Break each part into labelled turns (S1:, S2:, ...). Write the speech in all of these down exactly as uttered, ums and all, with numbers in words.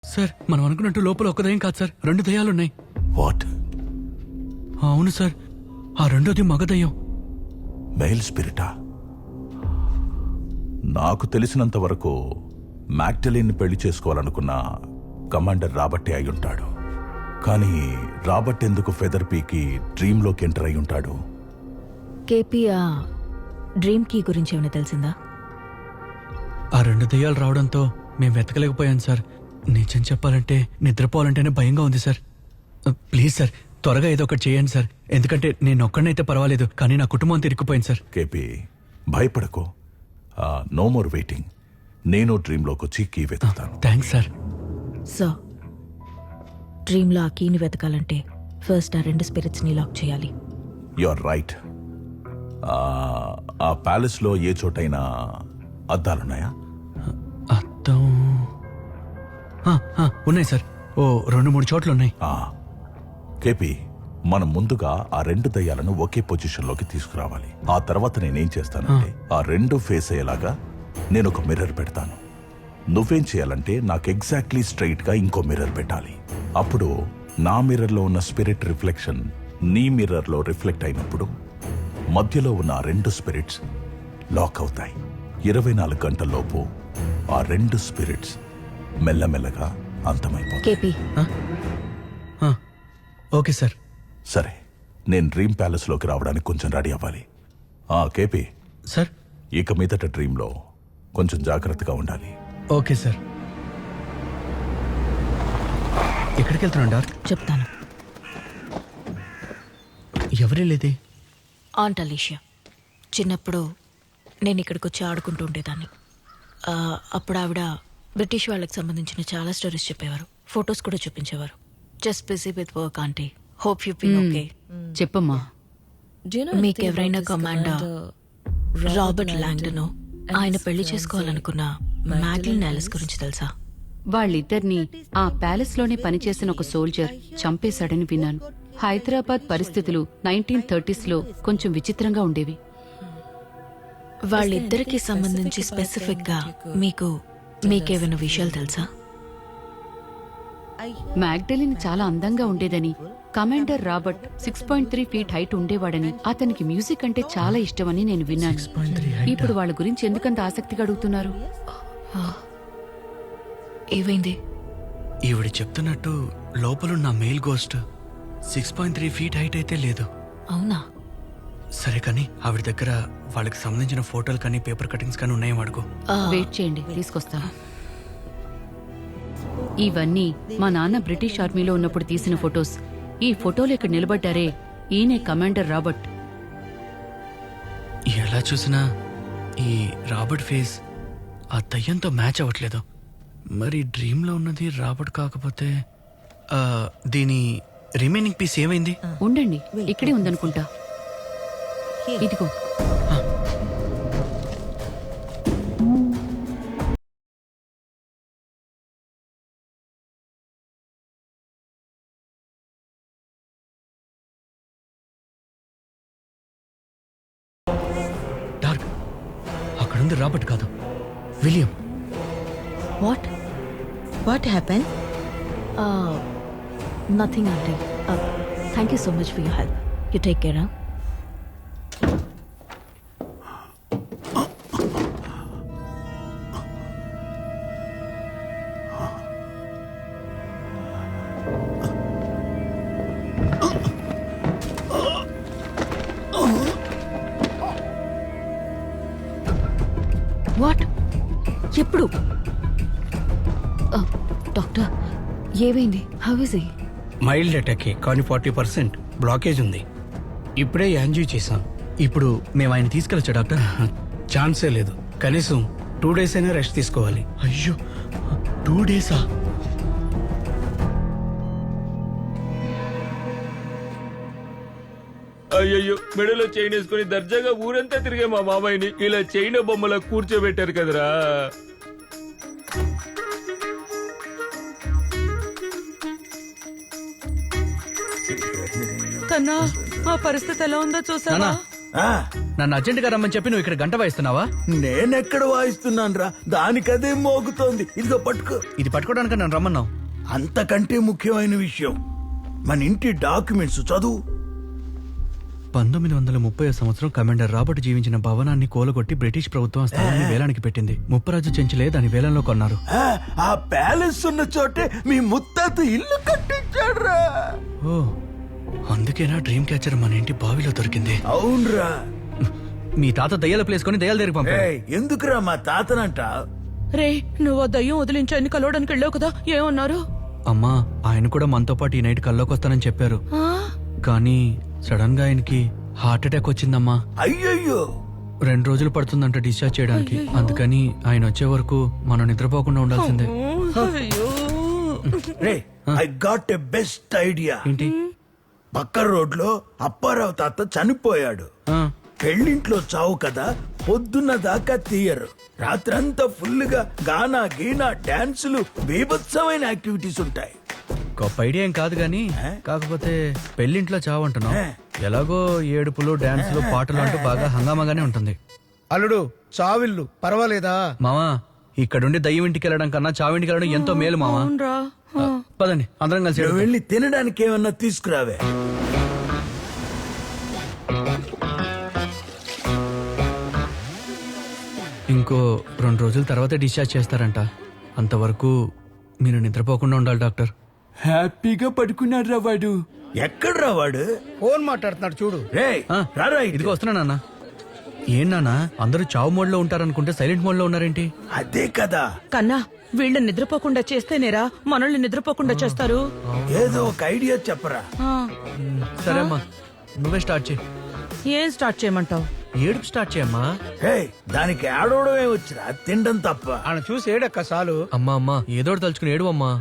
S1: Sir మనం అనుకున్నట్టు లోపల ఒక దయ్యం కాదు సార్, రెండు దయ్యాలున్నాయి.
S2: వాట్?
S1: అవును సార్, ఆ రెండోది మగ దయ్యం.
S2: మెయిల్ స్పిరిటా? నాకు తెలిసినంత వరకు మ్యాగ్డలిన్ పెళ్లి చేసుకోవాలనుకున్న కమాండర్ రాబర్టే అయి ఉంటాడు. కానీ రాబర్ట్ ఎందుకు ఫెదర్ పీకి డ్రీమ్లోకి ఎంటర్ అయి ఉంటాడు?
S3: కేపీ ఆ డ్రీమ్ కీ గురించి ఏమైనా తెలిసిందా?
S1: ఆ రెండు దయ్యాలు రావడంతో మేము వెతకలేకపోయాం సార్. నిజం చెప్పాలంటే నిద్రపోవాలంటేనే భయంగా ఉంది సార్. ప్లీజ్ సార్, త్వరగా ఏదో ఒకటి చేయండి సార్. ఎందుకంటే నేను ఒక్కడనైతే పర్వాలేదు, కానీ నా కుటుంబం తిరిగిపోయింది సార్.
S2: కేపీ, భయపడకో. No more waiting. నేను డ్రీమ్లోకి వచ్చి కీ వెతుకుతాను.
S1: Thanks sir.
S3: సో డ్రీమ్లో ఆ కీని వెతకాలంటే ఫస్ట్ ఆ రెండు స్పిరిట్స్ని లాక్ చేయాలి.
S2: You are right. ఆ ప్యాలెస్లో ఏ చోటైనా అద్దాలున్నాయా?
S1: అద్దం ఆ, ఆ, ఉన్నాయి సార్. ఓ రెండు మూడు చోట్ల ఉన్నాయి.
S2: ఆ, కేపీ, మనం ముందుగా ఆ రెండు దయ్యాలను ఒకే పొజిషన్లోకి తీసుకురావాలి. ఆ తర్వాత నేనేం చేస్తానంటే ఆ రెండు ఫేస్ అయ్యేలాగా నేను ఒక మిర్రర్ పెడతాను. నువ్వేం చేయాలంటే నాకు ఎగ్జాక్ట్లీ స్ట్రైట్ గా ఇంకో మిర్రర్ పెట్టాలి. అప్పుడు నా మిర్రర్లో ఉన్న స్పిరిట్ రిఫ్లెక్షన్ నీ మిర్రర్లో రిఫ్లెక్ట్ అయినప్పుడు మధ్యలో ఉన్న ఆ రెండు స్పిరిట్స్ లాక్ అవుతాయి. ఇరవై నాలుగు గంటల్లోపు ఆ రెండు స్పిరిట్స్ మెల్లమెల్లగా అంతమైపోతాయి.
S3: కేపీ,
S1: ఆ, ఓకే సార్.
S2: సరే, నేను డ్రీమ్ ప్యాలెస్లోకి రావడానికి కొంచెం రెడీ అవ్వాలి. ఆ కేపీ
S1: సార్.
S2: ఇక మీదట డ్రీమ్లో కొంచెం జాగ్రత్తగా ఉండాలి.
S1: Okay sir. ఎక్కడికి వెళ్తున్నాను డార్క్?
S3: చెప్తాను.
S1: ఎవరే లేదే?
S3: Aunt Alicia. చిన్నప్పుడు నేను ఇక్కడికి వచ్చి ఆడుకుంటూ ఉండేదాన్ని. ఆ, అప్పుడు ఆవిడ బ్రిటిష్ వాళ్ళకి సంబంధించిన చాలా స్టోరీస్ చెప్పేవారు, ఫొటోస్ కూడా చూపించేవారు. Just busy with work aunty. Hope you been okay.
S4: చెప్పమ్మా.
S3: మీకు ఎవరైనా కమాండర్ రాబర్ట్ లాంగ్డన్ ఆయన పెళ్లి చేసుకోవాలనుకున్న మ్యాగ్లిన్ ఆలిస్ గురించి తెలుసా?
S4: వాళ్ళిద్దరిని ఆ ప్యాలెస్ లోనే పనిచేసిన ఒక సోల్జర్ చంపేశాడని విన్నాను. హైదరాబాద్ పరిస్థితులు నైన్టీన్ థర్టీస్ లో కొంచెం విచిత్రంగా ఉండేవి.
S3: వాళ్ళిద్దరికి సంబంధించి స్పెసిఫిక్ గా మీకు మీకేమైనా విషయాలు తెలుసా?
S4: మ్యాగ్డలిన్ చాలా అందంగా ఉండేదని, commander Robert six point three feet height ఉండేవాడని, అతనికి మ్యూజిక్ అంటే చాలా ఇష్టమని నేను విన్నాను. ఇప్పుడు వాళ్ళ గురించి ఎందుకంత ఆసక్తిగా అడుగుతున్నారు?
S3: ఏమైంది?
S1: ఈవిడ చెప్తున్నట్టు లోపలున్న male ghost six point three feet height అయితే లేదు.
S3: అవునా?
S1: సరే కానీ ఆవిడ దగ్గర వాళ్ళకి సంబంధించిన ఫోటోలు కానీ పేపర్ కటింగ్స్ కానీ ఉన్నాయేమో అడుగు.
S4: వెయిట్ చేయండి, తీసుకొస్తాను. ఇవన్నీ మా నాన్న బ్రిటిష్ ఆర్మీలో ఉన్నప్పుడు తీసిన ఫొటోస్. ఈ ఫోటోలు ఇక్కడ నిలబడ్డారే, ఈయనే కమాండర్ రాబర్ట్.
S1: ఎలా చూసినా ఈ రాబర్ట్ ఫేస్ ఆ దయ్యంతో మ్యాచ్ అవ్వట్లేదు. మరి డ్రీమ్లో ఉన్నది రాబర్ట్ కాకపోతే ఆ, దీని రిమైనింగ్ పీస్ ఏమైంది?
S4: ఉండండి, ఇక్కడే ఉందనుకుంటా. ఇదిగో.
S1: డార్క్, అక్కడుంది రాబర్ట్ కాదు, William.
S3: What
S5: What happened?
S3: Nothing aunty. Thank you so much for your help. You take care. What? ఎప్పుడు? డాక్టర్, ఏమైంది? How is he?
S6: మైల్డ్ అటాకే, కానీ ఫార్టీ పర్సెంట్ బ్లాకేజ్ ఉంది. ఇప్పుడే యాంజియో చేశాం.
S1: ఇప్పుడు మేము ఆయన తీసుకెళ్ళచ్చా డాక్టర్?
S6: ఛాన్సే లేదు. కనీసం టూ డేస్ అయినా రెస్ట్ తీసుకోవాలి.
S1: అయ్యో, టూ డేసా?
S7: అయ్యయ్యో, మెడలో చైన్ వేసుకుని దర్జాగా ఊరంతా తిరిగే మా మామయ్యని ఇలా చైన్ బొమ్మలా కూర్చోబెట్టారు కదరా.
S5: కన్నా, ఆ పరిస్థితి ఎలా ఉందో చూసావా?
S6: నానా,
S1: నన్ను అర్జెంట్ గా రమ్మని చెప్పి నువ్వు ఇక్కడ గంట వాయిస్తున్నావా?
S8: నేనెక్కడ వాయిస్తున్నాను రా, దానికదే మోగుతోంది. ఇదిగో పట్టుకో.
S1: ఇది పట్టుకోవడానికి నన్ను రమ్మన్నావు.
S8: అంతకంటే ముఖ్యమైన విషయం, మన ఇంటి డాక్యుమెంట్స్ చదువు.
S1: పంతొమ్మిది వందల ముప్పై సంవత్సరం కమాండర్ రాబర్ట్ జీవించిన భవనాన్ని కూలగొట్టి బ్రిటిష్ ప్రభుత్వం ఆ స్థలాన్ని వేలానికి పెట్టింది. ముప్పరాజు చెంచులే దాని వేలంలో కొన్నారు.
S8: ఆ, ఆ ప్యాలెస్ ఉన్న చోటే మీ ముత్తాత ఇల్లు కట్టించాడ్రా.
S1: ఓ, అందుకేనా డ్రీమ్ క్యాచర్ మన ఇంటి బావిలో దొరికింది.
S8: అవునరా.
S1: మీ తాత దయ్యాల ప్లేస్ కొని దయ్యాల దగ్గరికి పంపాడు.
S8: ఏయ్, ఎందుకురా మా తాతనంట?
S5: రే నువ్వు ఆ దయ్యం వదిలించని కలవడానికి వెళ్ళావు కదా, ఏమన్నారు?
S1: అమ్మా, ఆయన కూడా మనతో పాటు ఈ నైట్ కల్లోకి వస్తానని చెప్పారు. కానీ సడన్ గా ఆయనకి హార్ట్ అటాక్ వచ్చిందమ్మా.
S8: అయ్యయ్యో.
S1: రెండు రోజులు పడుతుందంట డిశ్చార్జ్ చేయడానికి. అందుకని ఆయన వచ్చే వరకు మనం నిద్రపోకుండా ఉండాల్సిందే.
S8: రే, I got a best idea.
S1: ఏంటి?
S8: పక్క రోడ్లో అప్పారావు తాత చనిపోయాడు.
S1: ఆ,
S8: పెళ్ళింట్లో చావు కదా, పొద్దున్న దాకా తీయరు. రాత్రంతా ఫుల్ గా గానా గీనా డాన్సులు, బీభత్సమైన యాక్టివిటీస్ ఉంటాయి.
S1: గొప్ప ఐడియా ఏం కాదు గానీ, కాకపోతే పెళ్లింట్లో చావంటున్నావు. ఎలాగో ఏడుపులు, డాన్సులు, పాటలు అంటూ బాగా హంగామాగానే ఉంటుంది.
S6: అల్లుడు చావిల్లు పర్వాలేదా?
S1: మామా, ఇక్కడుండి దయ్యం ఇంటికి వెళ్ళడం కన్నా చావింటికి వెళ్ళడం ఎంతో మేలు మామా. ఆ, పదండి అందరం కలిసి
S8: నువ్వు
S1: వెళ్దాం.
S8: వెళ్ళి తినడానికి ఏమన్నా తీసుకురావే.
S1: ఇంకో రెండు రోజుల తర్వాత డిశ్చార్జ్ చేస్తారంట. అంతవరకు మీరు నిద్రపోకుండా ఉండాలి డాక్టర్.
S9: హ్యాపీగా పడుకున్నాడు రా వాడు.
S8: ఎక్కడ్రా వాడు?
S6: ఫోన్ మాట్లాడుతున్నాడు చూడు.
S8: రే
S1: ఆ,
S8: రారా ఇటు.
S1: ఇదిగో వస్తున్నా నాన్న. ఏం నాన్న, అందరూ చావు మోడ్ లో ఉంటారనుకుంటే సైలెంట్ మోడ్ లో ఉన్నారేంటి?
S8: అదే కదా,
S5: కన్నా వీళ్ళని నిద్రపోకుండా చేస్తేనేరా మనల్ని నిద్రపోకుండా చేస్తారు.
S8: ఏదో ఒక ఐడియా చెప్పరా.
S5: ఆ,
S1: సరే అమ్మా, నువ్వే స్టార్ట్ చేయి.
S5: ఏం స్టార్ట్ చేయమంటావు?
S1: ఏడుపు స్టార్ట్ చేయమ్మా.
S8: హే, దానికి ఆడవడమే వచ్చిరా, తినడం తప్ప.
S6: ఆయన చూసి ఏడక్క చాలు.
S1: అమ్మా అమ్మా, ఏదో ఒకటి తలుచుకుని ఏడు అమ్మా.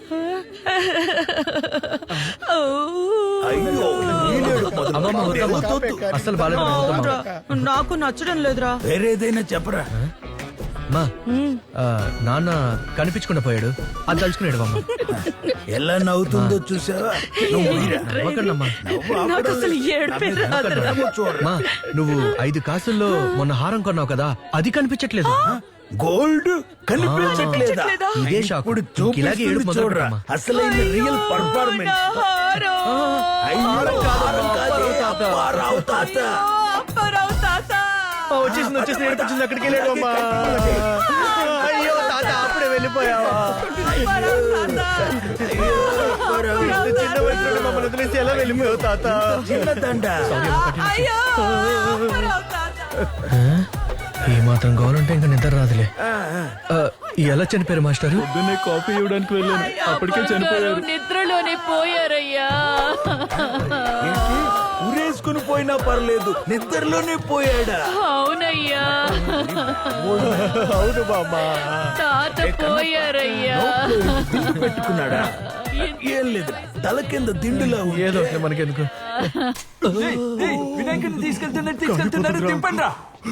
S8: అయ్యో, నీళ్ళేడు మొదలు.
S1: అమ్మమ్మ, వద్దమ్మా.
S8: వద్దు, వద్దు.
S1: అస్సలు బాగాలేదు.
S5: అవునురా, నాకు నచ్చడం లేదురా.
S8: వేరేదైనా చెప్పరా.
S1: అమ్మా, ఆ, నాన్న కనిపించకుండా పోయాడు, అది తలుచుకునేడు అమ్మా.
S8: ఎలా నవ్వుతుందో చూసావా? నువ్వు ఊయిరా.
S1: నవ్వకండమ్మా.
S8: నవ్వు
S5: నాకు
S8: ఆపడం
S5: అసలు
S8: లేదు.
S5: ఏడుపే
S8: నా మీద
S5: రాదురా.
S8: నవ్వు చూడరా.
S1: అమ్మా, నువ్వు ఐదు కాసుల్లో మొన్న హారం కొన్నావు కదా, అది కనిపించట్లేదు.
S8: గోల్డ్ కనిపించట్లేదా?
S5: కనిపించట్లేదా?
S1: ఇదే షాక్.
S8: ఇప్పుడు
S1: ఇంక ఇలాగే ఏడుపు
S8: చూపిస్తుంది
S1: మొదలు
S8: చూడరా.
S1: పెట్టమ్మా.
S8: అసలైన రియల్ పర్ఫార్మెన్స్.
S5: హారం.
S8: అయ్యో, హారం కాదే, అప్పారావు తాత.
S5: అప్పారావు తాత.
S1: వచ్చేసింది వచ్చేసింది ఏడుపు వచ్చింది, అక్కడికి వెళ్ళాడు అమ్మా. అయ్యో తాత, అప్పుడే వెళ్ళిపోయావా?
S5: అప్పారావు తాత.
S8: అయ్యో, అప్పారావు.
S1: చిన్న వయసులో మమ్మల్ని వదిలేసి ఎలా వెళ్ళిపోయావు తాత?
S8: చిన్న దండ.
S5: అయ్యో, అప్పారావు తాత.
S1: ఏ మాత్రం కావాలంటే ఇంకా నిద్ర రాదులే. ఆ, ఎలా చనిపోయారు మాస్టారు?
S9: పొద్దున్నే కాఫీ ఇవ్వడానికి వెళ్ళాను, అప్పటికే చనిపోయారు.
S4: నిద్రలోనే పోయారయ్యా.
S8: ఏంటి? ఉరేసుకుని పోయినా పర్లేదు, నిద్రలోనే పోయాడా?
S4: అవునయ్యా,
S8: అవును బామ్మా.
S4: తాత పోయారయ్యా.
S8: దిండు పెట్టుకున్నాడా? ఏం లేదు, తల కింద దిండులా ఉంది.
S1: ఏదో ఒకటి మనకెందుకు.
S9: వినాయకుడిని తీసుకెళ్తున్నట్టు తీసుకెళ్తున్నారు, తిప్పండి రా.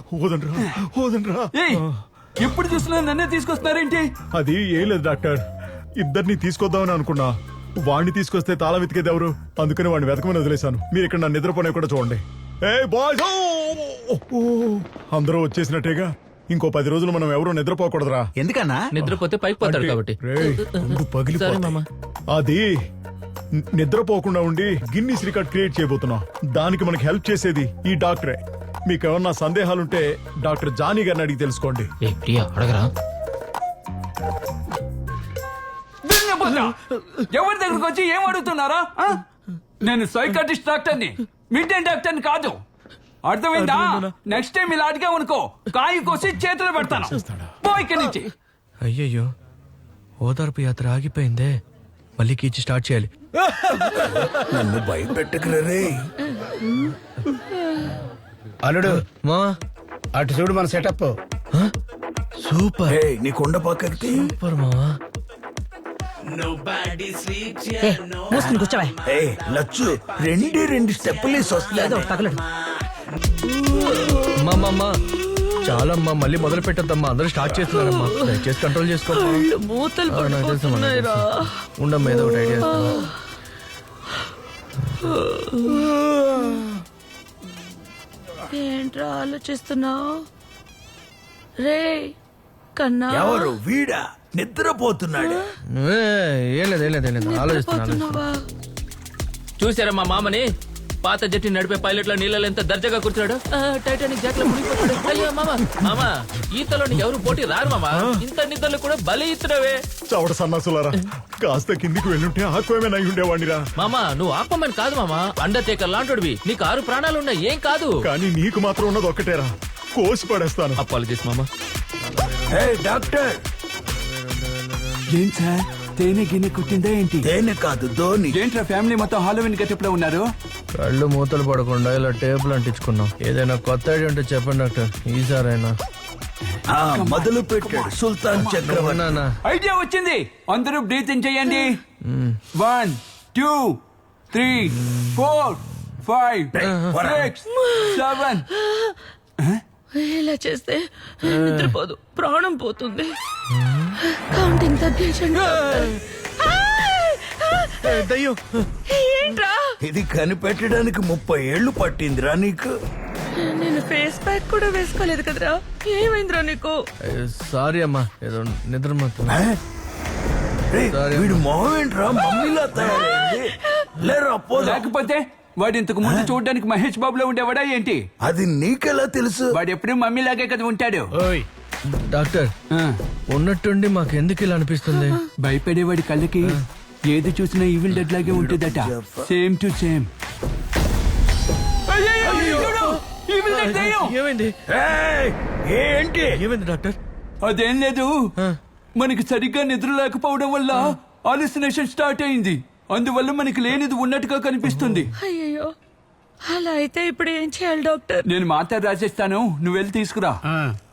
S9: ఏయ్, ఎప్పుడు చూసినా నన్నే తీసుకొస్తున్నారేంటి?
S10: అది ఏం లేదు డాక్టర్, ఇద్దరిని తీసుకొద్దామని అనుకున్నా. వాడిని తీసుకొస్తే తాళం వెతికేది ఎవరు? అందుకని వాడిని వెతకమని వదిలేశాను. మీరు ఇక్కడ నా నిద్రపోనే కూడా చూడండి. ఏ బాయ్స్, అందరూ వచ్చేసినట్టేగా. ఇంకో పది రోజులు మనం ఎవరూ నిద్రపోకూడదురా.
S1: ఎందుకన్నా?
S7: నిద్రపోతే పైకి పోతాడు కాబట్టి.
S10: రేయ్, గుండు పగిలిపోతాయి. అది ని- నిద్రపోకుండా ఉండి గిన్నీస్ రికార్డ్ క్రియేట్ చేయబోతున్నాం. దానికి మనకి హెల్ప్ చేసేది ఈ డాక్టరే. మీకు ఏమన్నా సందేహాలుంటే డాక్టర్ జానీ గారిని అడిగి తెలుసుకోండి.
S7: ఏ ప్రియా, అడగరా.
S9: ఎవరి దగ్గరకు వచ్చి ఏం అడుగుతున్నారా? ఆ? నేను సైకాటిస్ట్ డాక్టర్ని, మిడ్డే డాక్టర్ని కాదు. అర్థమైందా? నెక్స్ట్ టైం ఇలా అడిగామనుకో, కాయి కోసి చేతులు పెడతాను. పో ఇక్కడి నుంచి.
S1: అయ్యయ్యో, ఓదార్పు యాత్ర ఆగిపోయిందే. మళ్ళీ కీచి స్టార్ట్ చేయాలి.
S8: నన్ను భయపెట్టకురా రే.
S6: అల్లుడు
S1: మా
S6: అటు చూడు మన సెటప్.
S1: సూపర్
S8: ఏయ్, నీ కొండ పక్కకి.
S1: సూపర్ మావా.
S5: మూసుకుని కూర్చోవా.
S8: ఏయ్ లచ్చు, రెండే రెండు స్టెప్పులు వేసి వస్తుంది.
S5: తగలడు.
S1: అమ్మా అమ్మా, అమ్మా, చాలా అమ్మా, మళ్ళీ మొదలు పెట్టద్దమ్మా. అందరూ స్టార్ట్ చేస్తున్నారమ్మా, దయచేసి కంట్రోల్ చేసుకో.
S5: మూతలు
S1: ఆ, నాకు తెలుసు అమ్మా, నాకు తెలుసు. ఉండమ్మా, ఏదో ఒకటి ఐడియా ఇస్తాను.
S5: ఏంట్రా ఆలోచిస్తున్నావు రే కన్నా
S8: ఎవరు వీడా నిద్రపోతున్నాడు
S7: ఏం లేదు ఏం లేదు ఏం లేదు ఆలోచిస్తున్నాను
S5: నిద్రపోతున్నావా
S7: చూసారా మా మామని పాత జట్టి నడిపే పైలట్ లో నీళ్ళలో ఎంత దర్జాగా కూర్చున్నాడు ఆ, టైటానిక్ జాక్ లో మునిగిపోతాడు అయ్యో మామ మామ ఈతలో ఎవరు పోటీ రారు మామ ఇంత నిద్రలు కూడా బలి ఇస్తున్నావే
S10: చవట సన్నాసులారా కాస్త కిందికి వెళ్ళుంటే ఆక్వమే అయి ఉండేవాడిరా.
S7: మామ నువ్వు ఆపమని కాదు మామ అండర్టేకర్ లాంటివి నీకు ఆరు ప్రాణాలు ఉన్నాయి ఏం కాదు
S10: కానీ నీకు మాత్రం ఉన్నది ఒక్కటేరా, కోసి పడేస్తాను.
S7: అపాలజీస్ మామ
S8: హే డాక్టర్
S9: ఏం సార్ తేనె గిన్నె కుట్టిందా ఏంటి?
S8: తేనె కాదు ధోని.
S9: ఏంట్రా ఫ్యామిలీ మొత్తం హాలోవిన్ గెటప్ లో ఉన్నారు?
S7: కళ్ళు మూతలు పడకుండా ఇలా టేపులు అంటించుకున్నాం. ఏదైనా కొత్త ఐడియా ఉంటే చెప్పండి డాక్టర్ ఈసారైనా.
S8: ఆ, మొదలు పెట్టాడు సుల్తాన్ చక్రవర్తి.
S7: నాన్న
S9: ఐడియా వచ్చింది. అందరూ బ్రీతింగ్ చేయండి. One two three four five six seven.
S5: ఇలా చేస్తే నిద్రపోదు, ప్రాణం పోతుంది. కౌంటింగ్ తగ్గించండి
S1: దయ్యం
S5: ఏంట్రా
S8: ఇది కనిపెట్టడానికి ముప్పై ఏళ్లు పట్టిందిరా నీకు.
S5: నేను ఫేస్ ప్యాక్ కూడా వేసుకోలేదు కదరా, ఏమైందిరా నీకు?
S7: సారీ అమ్మా ఏదో నిద్ర మాత్రం.
S8: ఆ? రేయ్, వీడు మొహం ఏంట్రా మమ్మీలా తయారైంది. లేరా పోదా.
S9: లేకపోతే వాడు ఇంతకు ముందు చూడడానికి మహేష్ బాబులో ఉండేవాడా ఏంటి?
S8: అది నీకెలా తెలుసు?
S9: వాడు ఎప్పుడు మమ్మీ లాగే కదా ఉంటాడు.
S7: ఓయ్ డాక్టర్
S9: ఆ,
S7: ఉన్నట్టుండి మాకు ఎందుకు ఇలా అనిపిస్తుంది?
S9: భయపడేవాడి కళ్ళకి ఏది చూసినా ఈవిల్ డెడ్ లాగే ఉంటుందట. Same to same.
S7: ఏమైంది
S8: ఏయ్, ఏంటి?
S1: ఏమైంది డాక్టర్?
S9: అదేం లేదు, మనకి సరిగ్గా నిద్ర లేకపోవడం వల్ల హాలుసినేషన్ స్టార్ట్ అయింది. అందువల్ల మనకి లేనిది ఉన్నట్టుగా కనిపిస్తుంది.
S5: అయ్యయ్యో, అలా అయితే ఇప్పుడు ఏం చేయాలి డాక్టర్?
S9: నేను మాత్రం రాసేస్తాను, నువ్వు వెళ్ళి తీసుకురా.